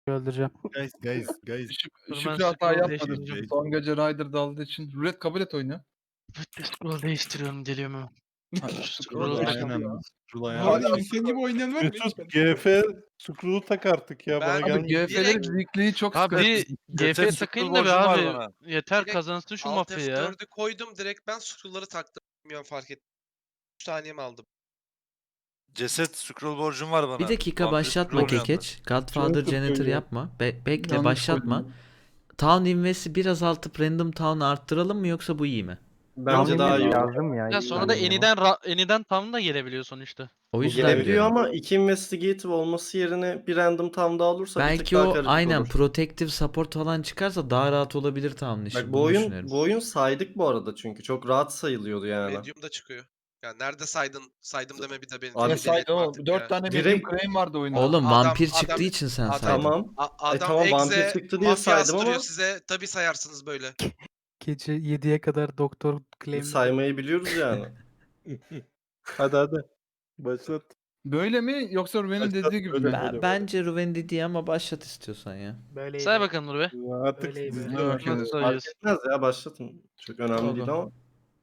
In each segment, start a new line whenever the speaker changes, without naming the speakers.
öldüreceğim.
Guys.
Dur ben
Şükrü hata
scroll
yapmadı.
değiştireceğim.
Son gece Ryder daldığı için. Rulet kabul et oyunu.
Scroll değiştiriyorum geliyorum hemen.
Scroll
Scroll
Aynen.
Bu
Hala
arada insan gibi oynayan var mı?
Mesut GF Screw'u tak artık ya bana
Ben-
Abi
gelmiyor.
GF'lerin zikliği çok
Abi
sıkıntı.
GF
Ceset
takayım
scroll
da be
borcum var
abi.
bana.
Yeter
Direkt
kazansın şu
Alt
mafya ya.
F4'ü koydum direkt ben scroll'ları taktım. Bilmiyorum fark ettim. 3 saniyemi aldım.
Ceset scroll borcum var bana.
Bir dakika
Vampir
başlatma
scroll yandı.
Kekeç. Godfather
Çok
Janitor
kötü.
yapma. Bekle
Yanlış
başlatma.
koydum.
Town Invest'i biraz alıp Random Town'u arttıralım mı yoksa bu iyi mi?
Bence daha iyi.
Yazdım ya.
Ya sonra da Any'den Town da gelebiliyor sonuçta.
O yüzden
Gelebiliyor
diyorum.
ama iki investigative olması yerine bir random tam daha olursa bir tık
Belki
daha
o
karışık
aynen
olur.
protective support falan çıkarsa daha rahat olabilir Town'un işi.
Bak
Bunu
bu oyun
düşünüyorum.
bu oyun saydık bu arada çünkü çok rahat sayılıyordu yani.
Medium'da çıkıyor. Ya nerede saydın? Saydım deme bir de beni.
Abi
Ne
tebrik
saydı
edelim
oğlum?
artık
4
ya.
tane
Direkt-
medium claim vardı oyunda.
Oğlum
Adam-
vampir
adam-
çıktığı için sen
adam-
saydın.
Tamam.
Adam
tamam, vampir
egze
çıktı diye
mafya
saydım
astırıyor
ama-
size. Tabii sayarsınız böyle.
Gece 7'ye kadar doktor claim.
Saymayı biliyoruz yani.
Hadi. Başlat.
Böyle mi yoksa Ruben'in
Başlat,
dediği gibi
öyle.
mi?
Bence Ruven dediği ama başlat istiyorsan ya.
Böyleydi.
Say bakalım Nur be.
Artık
Öyleydi.
sizde
Ha,
bak.
okey.
Nasıl
Fark
sayıyorsun?
etmez ya başlatın. Çok önemli değil ama.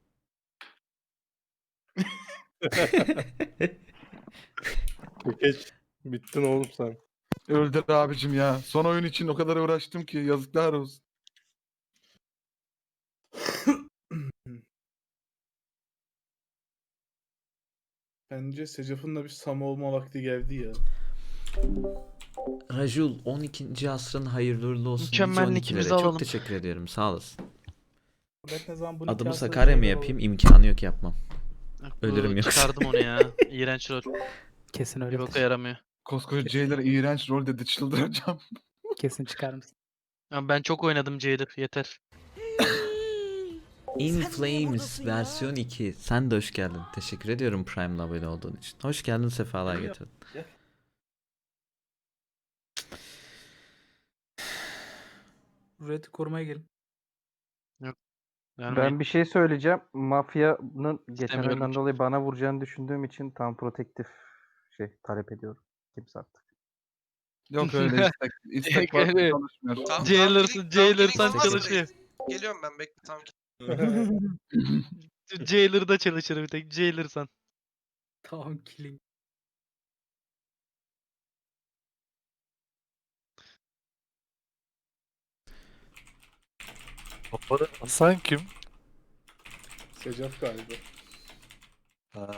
Geç. Bittin oğlum sen.
Öldür abicim ya. Son oyun için o kadar uğraştım ki yazıklar olsun.
Bence Secaf'ın da bir Sam olma vakti geldi ya.
Rajul 12. asrın hayırlı uğurlu olsun.
Mükemmellikimizi
112'lere.
alalım.
Çok teşekkür ediyorum. Sağ olasın.
Ben ne zaman bunu
Adımı
kıyasla
Sakarya mı
şeyler
yapayım?
olur.
İmkanı yok yapmam.
Bu
Ölürüm yoksa.
Çıkardım onu ya. İğrenç rol.
Kesin
Bir
öyle.
boka yaramıyor.
Koskoca Jailer iğrenç rol dedi çıldıracağım.
Kesin çıkar mısın?
Ya ben çok oynadım Jailer yeter.
In Flames versiyon 2. Sen de hoş geldin. Teşekkür ediyorum Prime'la abone olduğun için. Hoş geldin, sefalar getirdin.
Red'i korumaya gelin.
Yani
Ben bir şey söyleyeceğim. Mafyanın geçen
İstemiyorum
oyundan
çünkü.
dolayı bana vuracağını düşündüğüm için tam protektif talep ediyorum. Kimse artık.
Yok öyle istek. İstek var
Evet.
konuşmuyor.
Jailer'san
olmaz
çalışıyor.
Geliyorum ben bekle tam.
Jailer'da çalışır bir tek. Jailer'san.
Tamam killing.
Hasan kim?
Secaf galiba.
Ha.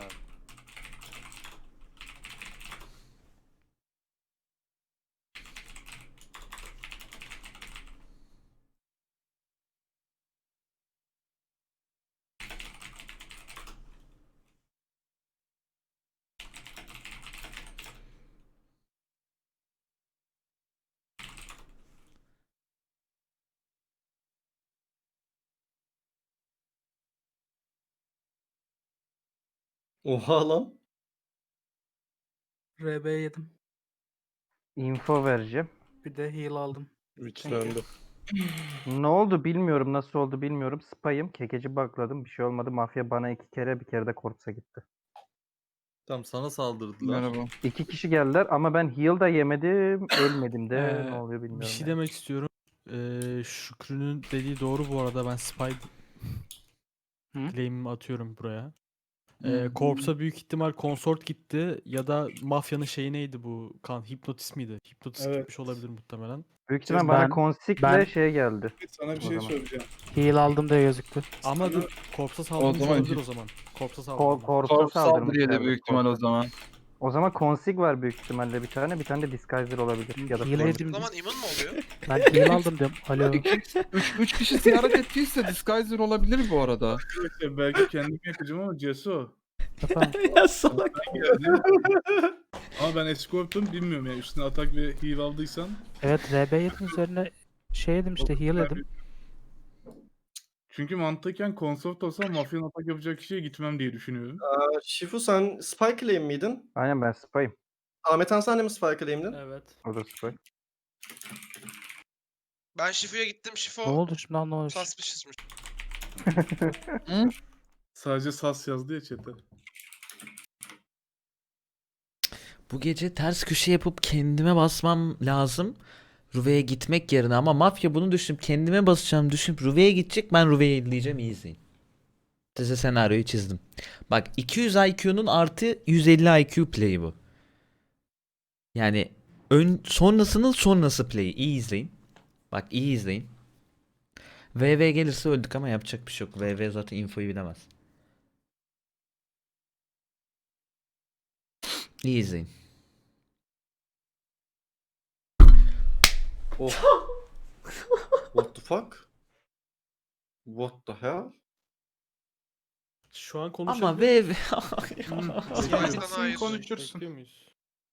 Oha lan.
RB yedim.
Info vereceğim.
Bir de heal aldım.
Üçlendi.
Ne oldu bilmiyorum. Nasıl oldu bilmiyorum. Spy'ım. Kekeci bukladım. Bir şey olmadı. Mafya bana 2 kere bir kere de Corpse'a gitti.
Tamam sana saldırdılar.
Merhaba.
2 kişi geldiler ama ben heal da yemedim. Ölmedim de. Ne oluyor
Bir
bilmiyorum.
şey
yani.
demek istiyorum. Şükrü'nün dediği doğru bu arada. Ben spy
Hı?
claim'imi atıyorum buraya.
Hı.
Corpse'a büyük ihtimal consort gitti ya da mafyanın şeyi neydi bu? Hipnotist miydi? Hipnotist
Evet.
gitmiş olabilir muhtemelen.
Büyük ihtimal bana
Ben-
Consig'le
ben-
şey geldi.
Sana bir
O
şey
zaman.
söyleyeceğim.
Heal aldım diye gözüktü.
Ama
Sana-
dur Corpse'a saldırmış
zaman
olabilir
git-
o zaman. Corpse'a
Corpse'a
saldırmış.
Corp
saldırmış.
saldırıydı büyük ihtimal o zaman.
O zaman Consig var büyük ihtimalle bir tane. Bir tane de Disguiser olabilir. Ya da
Heal
Flame.
O
yedim.
zaman immün mü oluyor?
Ben heal aldım diyorum. Alo.
3 kişi ziyaret ettiyse Disguiser olabilir bu arada.
Arkadaşlar belki kendim yapacağım ama Ceso.
Efendim.
Ya salak.
Ama ben escort'um bilmiyorum ya. Üstüne atak ve heal aldıysan.
Evet RB yedim üzerine şey yedim işte heal yedim.
Çünkü mantıken consort olsam mafyanın atak yapacak kişiye gitmem diye düşünüyorum.
Şifu sen Spy Claim miydin?
Aynen ben Spy'ım.
Ahmet Han sen de mi Spy Claim'din?
Evet.
O da Spy.
Ben Şifu'ya gittim. Şifu
Ne oldu şimdi anlamadım.
suspicious'mış. Sadece sas yazdı ya chat'e.
Bu gece ters köşe yapıp kendime basmam lazım. Ruve'ye gitmek yerine ama mafya bunu düşünüp kendime basacağım düşünüp Ruve'ye gidecek, ben Ruve'yi izleyeceğim, iyi izleyin. Size senaryoyu çizdim. Bak 200 IQ'nun artı 150 IQ play'i bu. Yani sonrasının sonrası play'i, iyi izleyin. Bak iyi izleyin. VV gelirse öldük ama yapacak bir şey yok. VV zaten infoyu bilemez. İyi izleyin.
Oh. What the fuck? What the hell?
Şu an
Ama
konuşabilir
VV...
Bitsin, konuşursun.
Bekliyor muyuz?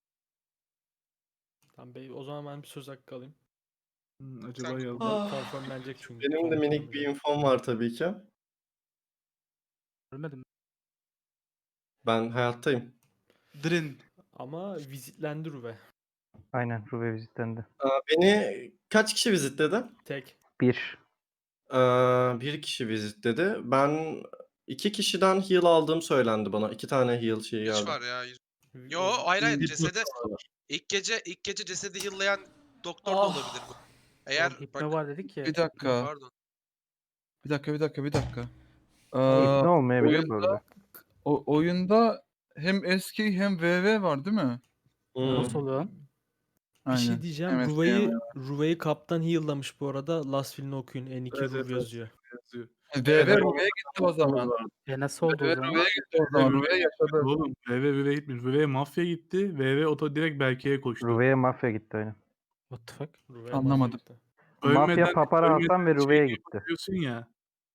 Tamam bey, o zaman ben bir söz hakkı alayım.
Acaba yazdı.
Konfirmlenecek çünkü.
Benim de minik bir infom var tabii ki.
Ölmedim.
Ben hayattayım.
Drin.
Ama vizitlendi Ruve.
Aynen Ruve vizitlendi.
Beni kaç kişi vizitledi?
Tek.
1.
Bir kişi vizitledi. Ben 2 kişiden heal aldığım söylendi bana. 2 tane heal şeyi
Hiç
geldi.
var ya. Yo hayır hayır cesede ilk gece cesedi yıllayan doktor da olabilir bu. Eğer
Oğlum, hipno var dedik ya.
Bir dakika.
pardon.
Bir dakika.
Ne olmayabilir bu
oyunda,
arada.
oyunda hem eski hem VV var değil mi?
Nasıl oluyor lan?
Bir şey
Aynen.
diyeceğim.
Evet,
Ruve'yi kaptan heal'lamış bu arada. Last Will'ini okuyun. N2
Evet,
Ruve
evet.
yazıyor.
Yazıyor.
VV Ruve'ye gitti o zaman.
Nasıl oldu o
VV
zaman?
Ruve'ye gitti o zaman. Ruve yaşadı.
Oğlum VV gitmiş. VV mafya gitti. VV oto direkt Berke'ye koştu.
Ruve'ye mafya gitti aynen.
What the fuck?
Ruve'ye
Anlamadım.
mahvetti.
Mafya Papara Hasan ve Ruve'ye gitti.
Yapıyorsun ya.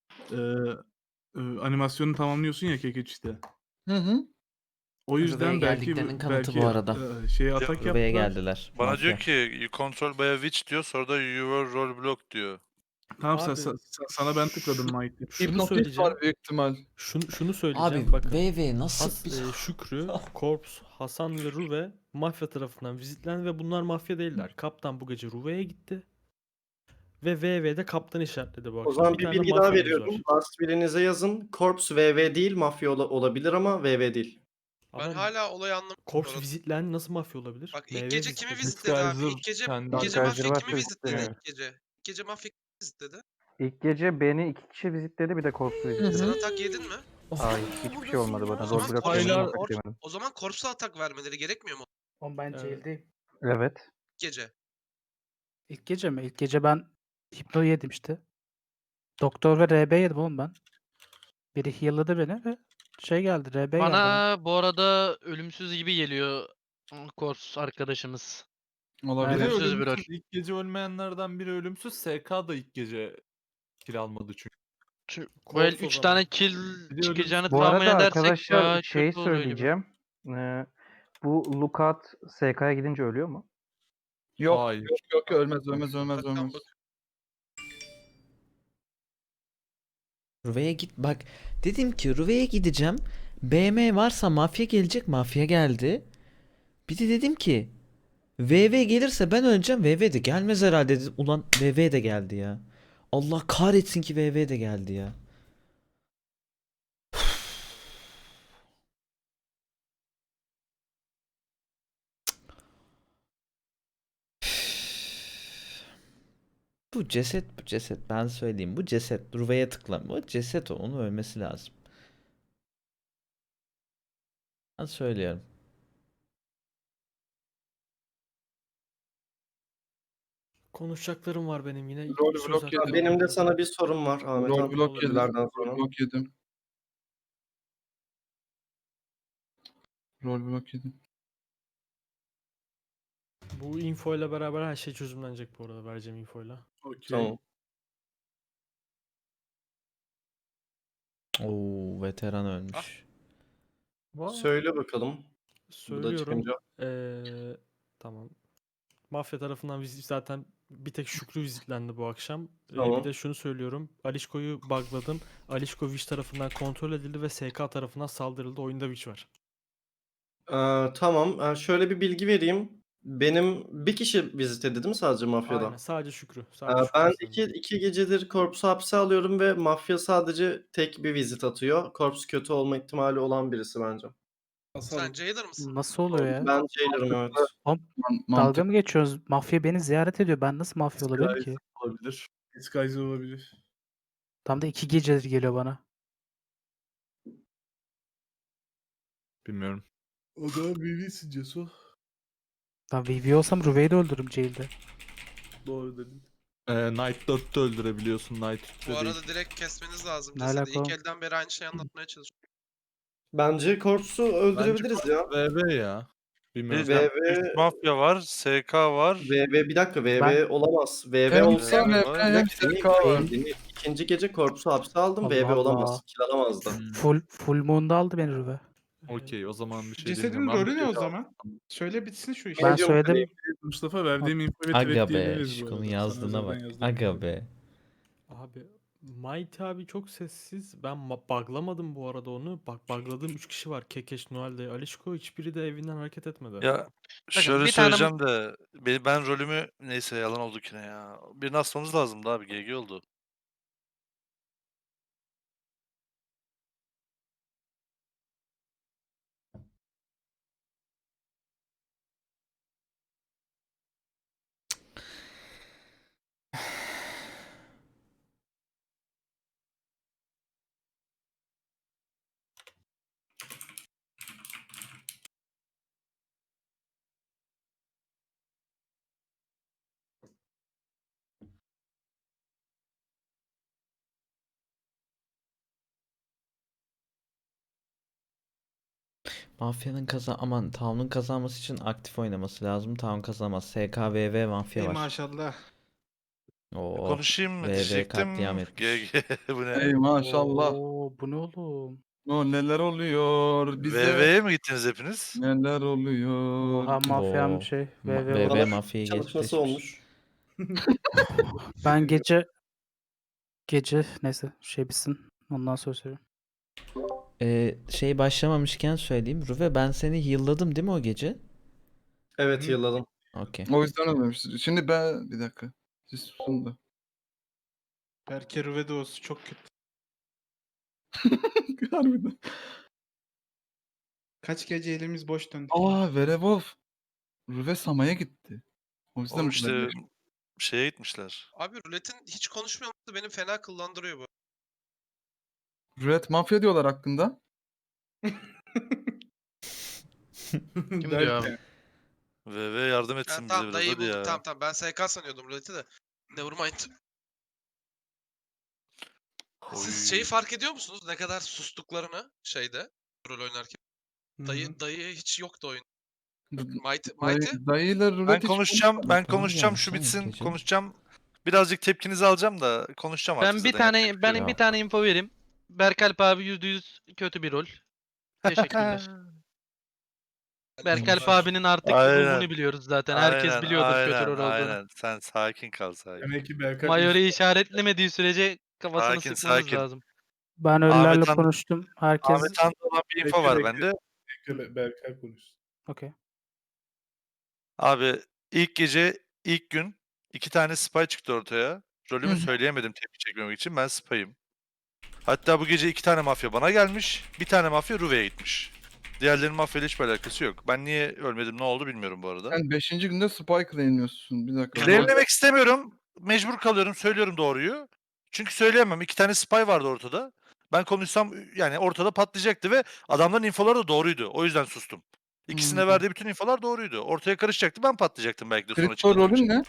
Animasyonu tamamlıyorsun ya kekeç işte.
Hı.
O yüzden
Ruve'ye
belki
geldiklerinin kanıtı bu arada.
Şeye atak
Ruve'ye
yaptılar.
geldiler.
Bana
mafya.
diyor ki you control by a witch diyor, sonra da you were role block diyor.
Tamam
Abi,
sana ben tıkladım Mike.
Şunu
Hipnotist
söyleyeceğim.
var büyük ihtimal.
Şunu söyleyeceğim.
Abi
Bakın.
VV nasıl bir...
Şükrü, Korps, Hasan ve Ruve mafya tarafından vizitlendi ve bunlar mafya değiller. Kaptan bu gece Ruve'ye gitti. Ve VV'de kaptan işaretledi bu akşam.
O zaman bir
tane
bilgi daha
mafyamız
veriyorum.
var.
Last birinize yazın. Corps VV değil, mafya olabilir ama VV değil.
Ben
Ama
hala olayı anlamadım.
Korps vizitlendi, nasıl mafya olabilir?
Bak
MV
ilk gece kimi
vizitledi.
vizitledi abi? İlk gece
Disguiser
mafya
varsa
kimi vizitledi
vizitledi.
ilk gece? İlk gece mafya kimi vizitledi?
İlk gece beni 2 kişi vizitledi, bir de Korps'u vizitledi.
Sen atak yedin mi?
Hayır, hiçbir şey olmadı bana.
O zaman
Rollblock
Korps'a-
yemedim,
Korps-
atak yemedim.
O zaman Korps'a atak vermeleri gerekmiyor mu
Oğlum ben
Evet.
jail'deyim.
Evet.
ilk gece?
İlk gece mi? İlk gece ben hipno yedim işte. Doktor ve RB yedim oğlum ben. Biri heal'ladı beni ve şey geldi, RB geldi.
Bana bu arada ölümsüz gibi geliyor Kors arkadaşımız.
Olabilir.
Aynen.
Ölümsüz bir rol.
İlk gece ölmeyenlerden biri ölümsüz. SK da ilk gece kill almadı çünkü.
Böyle
Korps o
3
zaman.
tane kill çıkacağını
Bu
tahmin
arada
edersek
arkadaşlar
daha
şey
kötü oluyor gibi.
söyleyeceğim. Bu Lookout SK'ya gidince ölüyor mu?
Yok,
Hayır.
yok ölmez.
Bakın bak.
Ruve'ye git bak, dedim ki Ruve'ye gideceğim. BM varsa mafya gelecek, mafya geldi. Bir de dedim ki VV gelirse ben öleceğim, VV de gelmez herhalde dedim. Ulan VV de geldi ya. Allah kahretsin ki VV de geldi ya. Bu ceset ben söyleyeyim, bu ceset Ruve'ye tıklama, o ceset, onu ölmesi lazım. Ben söylüyorum.
Konuşacaklarım var benim yine.
Rol
Söz
blok
hakkı
yedim.
Benim de
alıyorum.
sana bir sorum var Ahmet
Rol
Han.
blok yedim.
Bilgilerden sonra.
Rol blok yedim. Rol blok yedim.
Bu infoyla beraber her şey çözümlenecek bu arada, vereceğim infoyla.
Okey.
Tamam.
Oo, veteran ölmüş.
Söyle bakalım. Bu da
Söylüyorum.
çıkınca.
Tamam. Mafya tarafından vizit zaten bir tek Şükrü vizitlendi bu akşam.
Tamam.
Bir de şunu söylüyorum. Alişko'yu bugladım. Alişko Witch tarafından kontrol edildi ve SK tarafından saldırıldı. Oyunda Witch var.
Tamam. Şöyle bir bilgi vereyim. Benim bir kişi vizitledi değil mi sadece mafyada?
Aynen, sadece Şükrü. Sadece Şükrü
Ben
vizitlendi.
iki gecedir Corps'u hapse alıyorum ve mafya sadece tek bir vizit atıyor. Corps kötü olma ihtimali olan birisi bence.
Asalım.
Sen Jailer mısın?
Nasıl oluyor ya?
Ben Jailer'ım evet.
Dalga
Mantık.
mı geçiyoruz? Mafya beni ziyaret ediyor. Ben nasıl mafya olabilirim ki?
Olabilir.
Disguise olabilir.
Tam da 2 gecedir geliyor bana.
Bilmiyorum.
O da BB'sin Ceso.
Ben VV olsam Ruve'yi de öldürürüm jail'de.
Doğru dedin.
Knight 4'te öldürebiliyorsun. Knight 3'te
Bu
değil.
arada direkt kesmeniz lazım.
Ne
Cesedi
alaka
ilk
oğlum?
elden beri aynı şeyi anlatmaya çalışıyorum.
Bence Corpse'u öldürebiliriz ya.
VV ya. Bilmiyorum.
VV
Mafya var, SK var.
VV bir dakika VV
Ben-
olamaz. VV
Hem
olsa
sen
var.
hem SK var.
ikinci gece Corpse'u hapse aldım.
Allah
VV
Allah.
olamaz. Kill alamazdı.
Full moon'da aldı beni Ruve.
Okey, o zaman bir şey
Cesedin
demiyorum. Ben
rolü
bir
ne
şey
o zaman? Söyle bitsin şu iş.
Ben söyledim.
Mustafa verdiğim infoyu
Aga
thread
be.
diyebiliriz bu
Şikon'un
arada. Sana
yazdığına
özelden
bak.
yazdım.
Aga be.
Abi Mighty abi çok sessiz. Ben buglamadım bu arada onu. Bak bugladığım 3 kişi var. Kekeş, Noel de, Alişko. Hiçbiri de evinden hareket etmedi.
Ya şöyle
bir tane-
söyleyeceğim de ben rolümü neyse yalan oldu ki ne ya. Birini asmamız lazımdı abi, GG oldu.
Mafyanın aman Town'un kazanması için aktif oynaması lazım. Town kazanamaz. SKVV mafya var.
maşallah.
Oo.
Konuşayım mı
VV
diyecektim.
katliam etmiş.
GG bu ne?
Ey maşallah.
Oo, bu ne oğlum?
O neler oluyor bize?
VV'ye mi gittiniz hepiniz?
Neler oluyor?
Oha mafyam
Oo.
şey.
VV
VV
Bana
mafyayı
çalışması
geçmiş.
olmuş.
Ben gece neyse şey bitsin. Ondan sonra söyleyeyim.
Şey başlamamışken söyleyeyim. Ruve ben seni heal'ladım değil mi o gece?
Evet yılladım.
Okey.
O yüzden ölmemiştir. Şimdi ben bir dakika. Siz susun da.
Berke Rüvedos çok kötü.
Harbiden.
Kaç gece elimiz boş döndü.
Aa Werewolf. Rüve Sama'ya gitti. O yüzden
Oğlum
bu
işte
kadar-
şeye gitmişler.
Abi ruletin hiç konuşmaması beni fena kıllandırıyor bu.
Red Mafya diyorlar hakkında.
Kim diyor abi?
VV yardım etsin
Yani
bize
tamam
biraz
dayıyı
hadi
bulduk.
ya.
Tamam ben SK sanıyordum ruleti de. Nevermind. Siz şeyi
Oy.
fark ediyor musunuz? Ne kadar sustuklarını şeyde rol oynarken. Dayı hiç yoktu oyun. Mighty?
Dayıyla Rulet
Ben
hiç
konuşacağım,
konuşmadık.
ben
Tamam
konuşacağım,
ya,
şu
tamam,
bitsin,
gece.
konuşacağım. Birazcık tepkinizi alacağım da konuşacağım artık
Ben bir
zaten, yapacak
tane
bir şey
ben
yok.
bir tane info vereyim. Berkalp abi %100 kötü bir rol. Teşekkürler. Berkalp abinin artık
Aynen.
ruhunu biliyoruz zaten. Herkes biliyordur kötü rol olduğunu.
Aynen. Sen sakin kal sakin.
Demek ki Berkay
Mayor'u işaretlemediği sürece kafasını
Sakin,
sıkmamız
sakin.
lazım.
Ben ölülerle
Ahmet Han-
konuştum. Herkes
Ahmet Han'da olan bir info
Bekle,
var
bekle.
bende.
Berkay konuşsun.
okey.
Abi ilk gece, ilk gün 2 tane spy çıktı ortaya. Rolümü
Hı.
söyleyemedim tepki çekmemek için. Ben spy'ım. Hatta bu gece 2 tane mafya bana gelmiş. Bir tane mafya Ruve'ye gitmiş. Diğerlerinin mafyayla hiçbir alakası yok. Ben niye ölmedim, ne oldu bilmiyorum bu arada.
Sen 5. günde Spy claimliyorsun. Bir dakika.
Claimlemek istemiyorum. Mecbur kalıyorum. Söylüyorum doğruyu. Çünkü söyleyemem. 2 tane spy vardı ortada. Ben konuşsam yani ortada patlayacaktı ve adamların infoları da doğruydu. O yüzden sustum. İkisine verdiği bütün infolar doğruydu. Ortaya karışacaktı. Ben patlayacaktım belki de sonra
Kripto
çıkmadığım
rolün
için.
ne?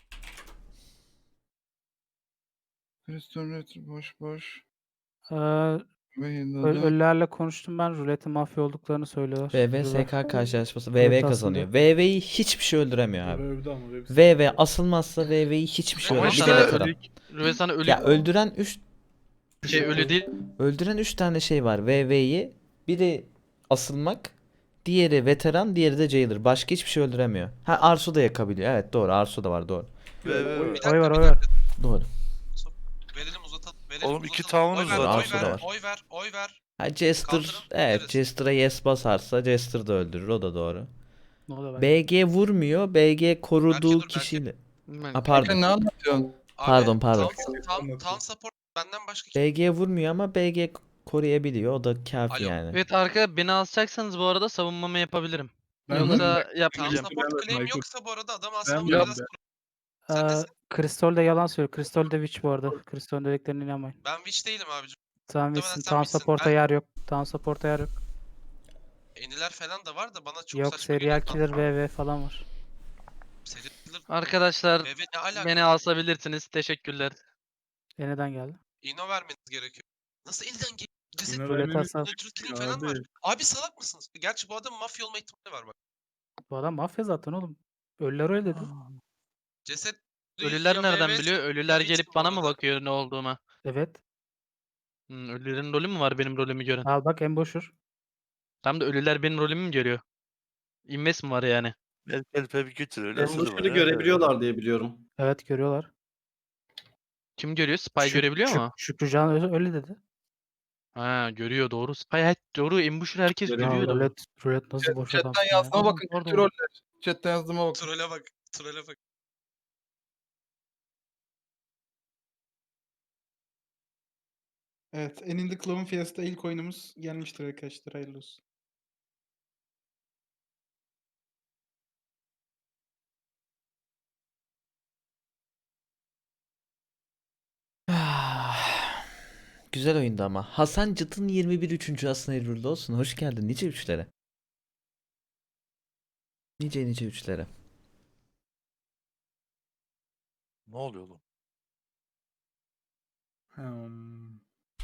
Kripto Retro boş boş.
Ee,
Ve yılladı.
ölülerle konuştum ben. Ruletin mafya olduklarını söylüyorlar.
VV
Ruve.
SK karşılaşması.
Evet,
VV
aslında.
kazanıyor. VV'yi hiçbir şey öldüremiyor abi.
Övdü ama.
VV asılmazsa VV'yi hiçbir şey
Ama
öldüremiyor. Bir de
sana
veteran.
Rüve sana ölü
Ya öldüren 3
ölü değil.
öldüren 3 tane şey var VV'yi. Biri asılmak, diğeri veteran, diğeri de jailer. Başka hiçbir şey öldüremiyor. Ha Arsu da yakabiliyor. Evet doğru. Arsu da var doğru.
Ve-
Bir dakika,
Oy var
bir
oy var.
dakika.
Doğru.
Verelim uzatalım. Verelim,
Oğlum, iki
uzatalım.
tavrınız
Oy ver,
var.
Oy
Arsu da
ver,
var.
oy ver, oy ver.
Ha Jester,
Kaldırın,
evet
veririz.
Jester'a yes basarsa Jester da öldürür. O da doğru.
Ne oluyor ben?
BG vurmuyor. BG koruduğu
dur, belki.
kişiyle.
Ben-
Ha pardon.
Sen ne anlatıyorsun?
Abi,
Pardon.
Town support benden başka kim?
BG vurmuyor ama BG koruyabiliyor. O da kafi
Alo.
yani.
Evet arka beni asacaksanız bu arada savunmamı yapabilirim.
Ben
Yoksa
Tam
yapmayacağım.
support
Evet,
claim
Michael.
yoksa bu arada adam
Ben
asmamda
ben
biraz
ben.
Sen
Aa,
nesin?
Kristol de yalan söylüyor. Kristol de witch bu arada. Kristol'ün dediklerine inanmayın.
Ben witch değilim abicim.
Tamam
Muhtemelen
witch'sin.
sen
Town
witch'sin.
support'a
Ben
yer yok. Town support'a yer yok.
eniler falan da var da bana çok
Yok
saçma geliyor.
serial killer VV falan var.
Serial killer
Arkadaşlar
VV ne alaka?
beni asabilirsiniz. Teşekkürler.
Neden geldi?
İno vermeniz gerekiyor. Nasıl elden geliyor? Ceset
İno
Rulet
vermemiz
asal.
truth killing falan var.
abi.
Abi salak mısınız? Gerçi bu adamın mafya olma ihtimali var bak.
Bu adam mafya zaten oğlum. Ölüler öyle dedi.
Ceset
Ölüler
ya
nereden
VV
biliyor? Ölüler
witch
gelip
bu
bana mı
arada.
bakıyor ne olduğuma?
Evet.
Ölülerin rolü mü var benim rolümü gören?
Al bak embosher.
Tam da ölüler benim rolümü mü görüyor? İnves mi var yani?
El bir götür öyle sözü var.
Ambusher'ı
ya.
görebiliyorlar diye biliyorum.
Evet görüyorlar.
Kim görüyor? Spy görebiliyor mu?
Şükrücan öyle dedi.
Ha görüyor doğru. Doğru. Ambusher herkes
Ya
görüyordu.
rulet nasıl boş
Chatten
adamsın ya.
yazdığıma bakın.
Pardon.
Kötü roller. Chatten yazdığıma bakın.
Trole bak. Trole bak.
Evet, Eninde Clown Fiesta ilk oyunumuz gelmiştir arkadaşlar. Hayırlı olsun.
Güzel oyundu ama. Hasan Cıt'ın 21 3. aslında hayırlı olsun. Hoş geldin. Nice üçlere. Nice üçlere.
Ne oluyor oğlum?
Hmm.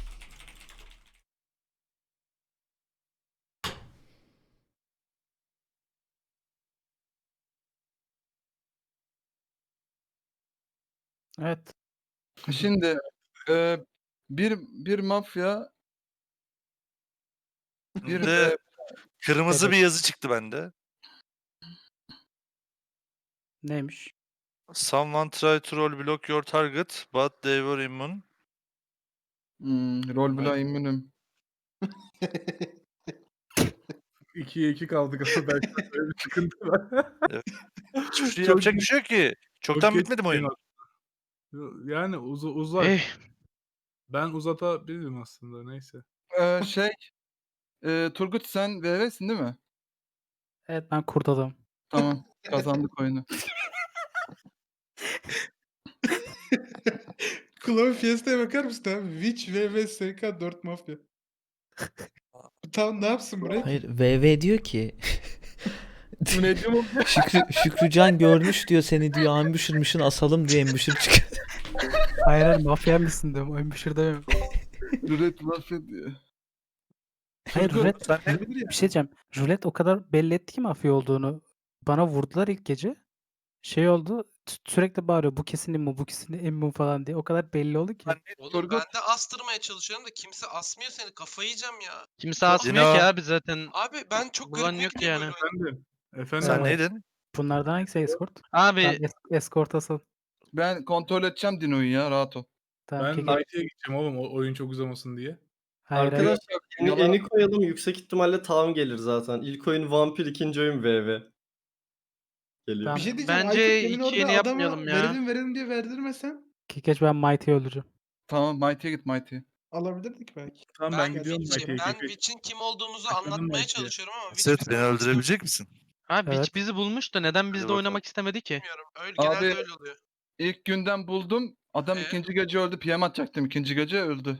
Evet.
Şimdi bir mafya bir
De kırmızı
Evet.
bir yazı çıktı bende.
Neymiş?
Someone try to roll block your target but they were immune.
rol bile immünüm.
2'ye 2 kaldık ama belki de böyle bir sıkıntı var.
Hiçbir şey
Çok
yapacak bir
geç-
şey yok ki.
çok
Çoktan
geç
bitmedi mi oyun?
aslında. Yani uzar.
Eh,
Ben uzatabilirim aslında neyse.
Şey Turgut sen VV'sin değil mi?
Evet ben kurt adamım.
Tamam. Kazandık oyunu.
Clown Fiesta'ya bakar mısın abi? Witch vs SK 4 Mafya. Tamam ne yapsın buraya?
Hayır VV diyor ki
Bu ne diyor mu?
Şükrücan görmüş diyor seni diyor ambusher'mışın asalım diye ambusher çıkıyor.
Hayır hayır mafya mısın diyorum. Embosher demiyorum.
Rulet mafya diyor.
Hayır
Turgut,
rulet.
Ne bilir ya?
Bir şey diyeceğim. Rulet o kadar belli etti ki mafya olduğunu. Bana vurdular ilk gece. Şey oldu. Sürekli bağırıyor. Bu kesin immu, bu kesin immu falan diye. O kadar belli oldu ki.
Oğlum
Turgut.
ben de astırmaya çalışıyorum da kimse asmıyor seni. Kafayı yiyeceğim ya.
kimse asmıyor ki
Dino.
abi zaten.
Abi ben çok
Bulan
garibime
yok
gidiyor
yani.
böyle oyun.
Efendim. Efendim.
Sen
Evet.
neydin?
Bunlardan hangisi escort?
Abi
Tamam escort asıl.
Ben kontrol edeceğim Dino'yu ya rahat ol.
Tamam
Ben
keke.
Knight'e gideceğim oğlum oyun çok uzamasın diye.
Hayır hayır.
Arkadaşlar eni koyalım yüksek ihtimalle tam gelir zaten. İlk oyun vampir, ikinci oyun VV. Geliyor.
Tamam.
Bir şey diyeceğim.
Bence
Aykut demin
hiç
orada
yeni
adama
yapmayalım ya.
verelim diye verdirmesen
Kekeç ben Mighty'yi öldüreceğim.
Tamam Mighty'ye git Mighty'ye.
alabilirdik belki.
Tamam ben gidiyorum
Witch'im.
Knight'e.
Ben Witch'in kim olduğumuzu
Efendim
anlatmaya
Knight'e.
çalışıyorum ama Witch
Set
bizi
beni
bulmuş.
öldürebilecek misin?
Abi
Evet.
hiç bizi bulmuş da neden
Hadi
bizde
bakalım.
oynamak istemedi ki?
Bilmiyorum.
Abi-
Genelde öyle oluyor.
İlk günden buldum. Adam ikinci gece öldü. PM atacaktım. İkinci gece öldü.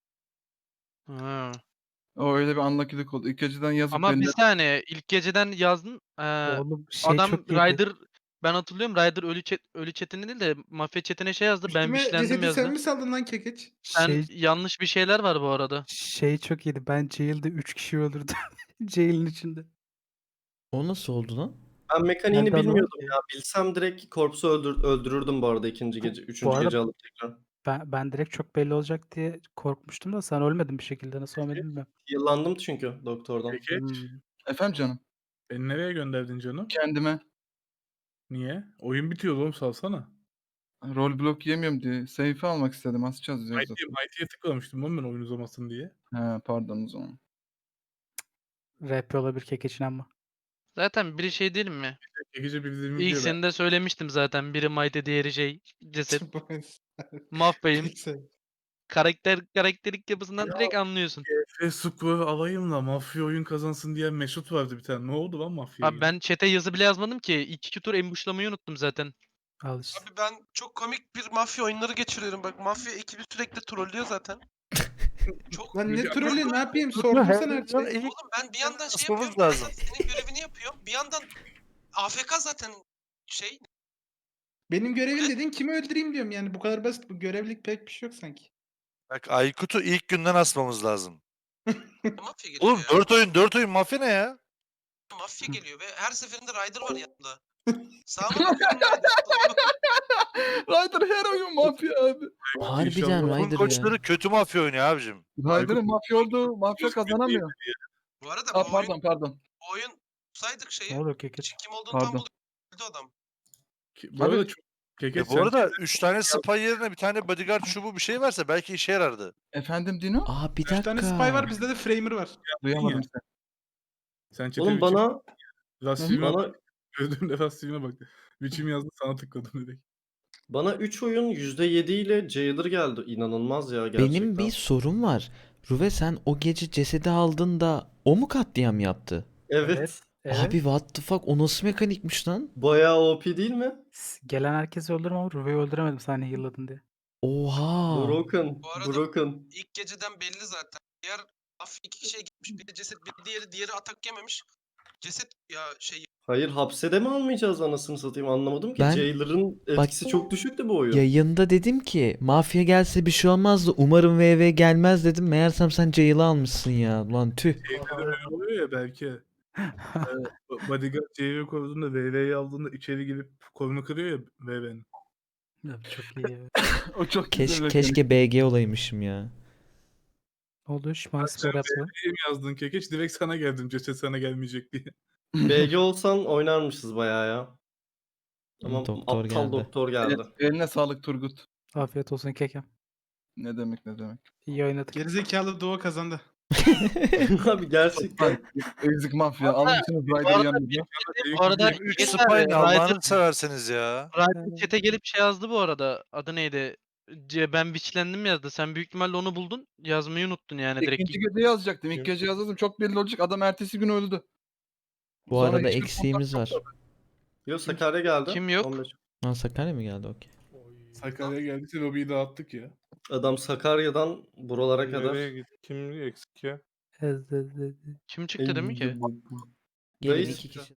Ha.
O öyle bir unlucky'lik oldu. İlk geceden yazıp
Ama
beni
bir saniye ilk geceden yazdın.
Oğlum şey
Adam
çok iyiydi.
Ryder ben hatırlıyorum Ryder ölü chatine değil de mafya chatine şey yazdı. Ben
Üstüme
wishlendim
cesedi sen
yazdı.
mi saldın lan Kekeç?
Sen
Şey,
yanlış bir şeyler var bu arada.
şey çok iyiydi. Ben jail'de 3 kişi öldürdüm. Jail'in içinde.
O nasıl oldu lan?
Ben mekaniğini
Nerede adam?
bilmiyordum ya. Bilsem direkt korpsu öldürürdüm bu arada ikinci gece. Üçüncü
arada-
gece alıp tekrar.
Ben direkt çok belli olacak diye korkmuştum da sen ölmedin bir şekilde. Nasıl ölmedin bilmiyorum.
Yıllandım çünkü doktordan.
Peki.
Hmm.
Efendim canım.
Beni nereye gönderdin canım?
Kendime
Niye? Oyun bitiyor oğlum salsana.
rol blok yemiyorum diye. Seyfi almak istedim. Asacağız diyor zaten.
Mighty'ye tıklamıştım oğlum ben oyun uzamasın diye.
He pardon o zaman.
RP olabilir Kekeç'in ama.
Zaten biri şey değil mi?
Gece bildiğimi
İlk
diyor ben.
seninde söylemiştim zaten. Biri Mighty diğeri şey ceset. Mahveyim.
Neyse.
karakterik yapısından direkt anlıyorsun.
Square alayım da mafya oyun kazansın diye Mesut vardı bir tane. Ne oldu lan mafyaya?
Abi ben chat'e yazı bile yazmadım ki. 2 tur embuşlamayı unuttum zaten.
Al işte.
Abi ben çok komik bir mafya oyunları geçiriyorum. Bak mafya ekibi sürekli trollüyor zaten. Çok
Lan ne trolü ne yapayım
Dur,
sordum
her
sana her
zaman
şeyi.
ilk
Oğlum ben bir yandan şey
asmamız
yapıyorum. Bir yandan
lazım.
senin görevini yapıyorum. Bir yandan AFK zaten şey.
Benim görevim dedin kimi öldüreyim diyorum yani bu kadar basit bu görevlik pek bir şey yok sanki.
Bak Aykut'u ilk günden asmamız lazım.
Mafya geliyor
Oğlum
ya.
4 oyun mafya ne ya?
Mafya geliyor ve her seferinde Ryder var yanında. Sağıma bakıyorum Ryder. soluma
Ryder her oyun mafya abi.
Harbiden
Takım
Ryder ya.
koçları kötü mafya oynuyor abicim.
Ryder'ın mafya olduğu mafya kazanamıyor.
Bu arada
Aa,
bu oyun,
pardon.
bu oyun saydık şeyi.
Ne oluyor Kekeç?
Kim olduğunu
Pardon.
tam buluyor. Öldü adam.
Bu arada
Abi-
çok Kekeç
Bu arada 3 tane spy yerine bir tane bodyguard çubuğu bir şey verse belki işe yarardı.
Efendim Dino?
Aa bir
3 tane
dakika.
spy var bizde de framer var.
Duyamadım seni.
sen çete
Oğlum bana
Rastim'e
bana
gördüğümde Rastim'e bak. Biçim yazdı sana tıkladım direkt.
bana 3 oyun %7 ile Jailer geldi. İnanılmaz ya gerçekten.
Benim bir sorum var. Ruve sen o gece cesedi aldın da o mu katliam yaptı?
Evet.
Abi what the fuck o nasıl mekanikmiş lan?
Bayağı OP değil mi?
Gelen herkesi öldürürüm ama Ruve'yi öldüremedim sen yılladın diye.
Oha.
Broken.
Bu arada-
Broken.
İlk geceden belli zaten. Diğer mafya 2 kişiye gitmiş. Biri ceset, biri diğeri atak yememiş. Ceset ya şey
Hayır hapse mi almayacağız anasını satayım anlamadım ki.
Ben-
Jailer'ın etkisi çok düşüktü bu oyun.
Yayında dedim ki mafya gelse bir şey olmazdı. Umarım VV gelmez dedim. Meğersem sen Jail'ı almışsın ya. Lan tüh.
Şeyde de öyle oluyor ya belki. Bodyguard CV koruduğunda VV'yi aldığında içeri girip kolunu kırıyor ya VV'nin.
Ya, çok iyi ya.
O çok güzel mekanik.
Keşke BG olaymışım ya.
Ne oldu? Bana spor yaptı.
Şey mi yazdın Kekeç? Direkt sana geldim ceset sana gelmeyecek diye.
BG olsan oynarmışız bayağı ya. Ama
Doktor
aptal
geldi.
doktor geldi.
Evet, eline sağlık Turgut.
Afiyet olsun Kekem.
Ne demek ne demek.
İyi oynadık.
Gerizekalı Doğu kazandı.
Abi gerçekten.
Ezik mafya. Almışsınız Ryder'ı yanınıza.
Bu arada
3
Kekeç
spy
abi,
ne Allah'ını severseniz ya.
Ryder chat'e gelip şey yazdı bu arada. Adı neydi? Ben witchlendim yazdı. Sen büyük ihtimalle onu buldun. Yazmayı unuttun yani direkt.
İkinci gece yazacaktım. İlk gece yazdım. Çok belli olacak. Adam ertesi gün öldü.
Bu
Sonra
arada
hiçbir
eksiğimiz var.
Yok Sakarya geldi.
Kim yok?
15.
Lan Sakarya mı geldi? Okey.
Sakarya'ya geldiyse lobiyi dağıttık ya.
Adam Sakarya'dan buralara kadar.
Kim eksik ya?
Kim çıktı değil mi ki?
Gelin
Reis-
iki kişi.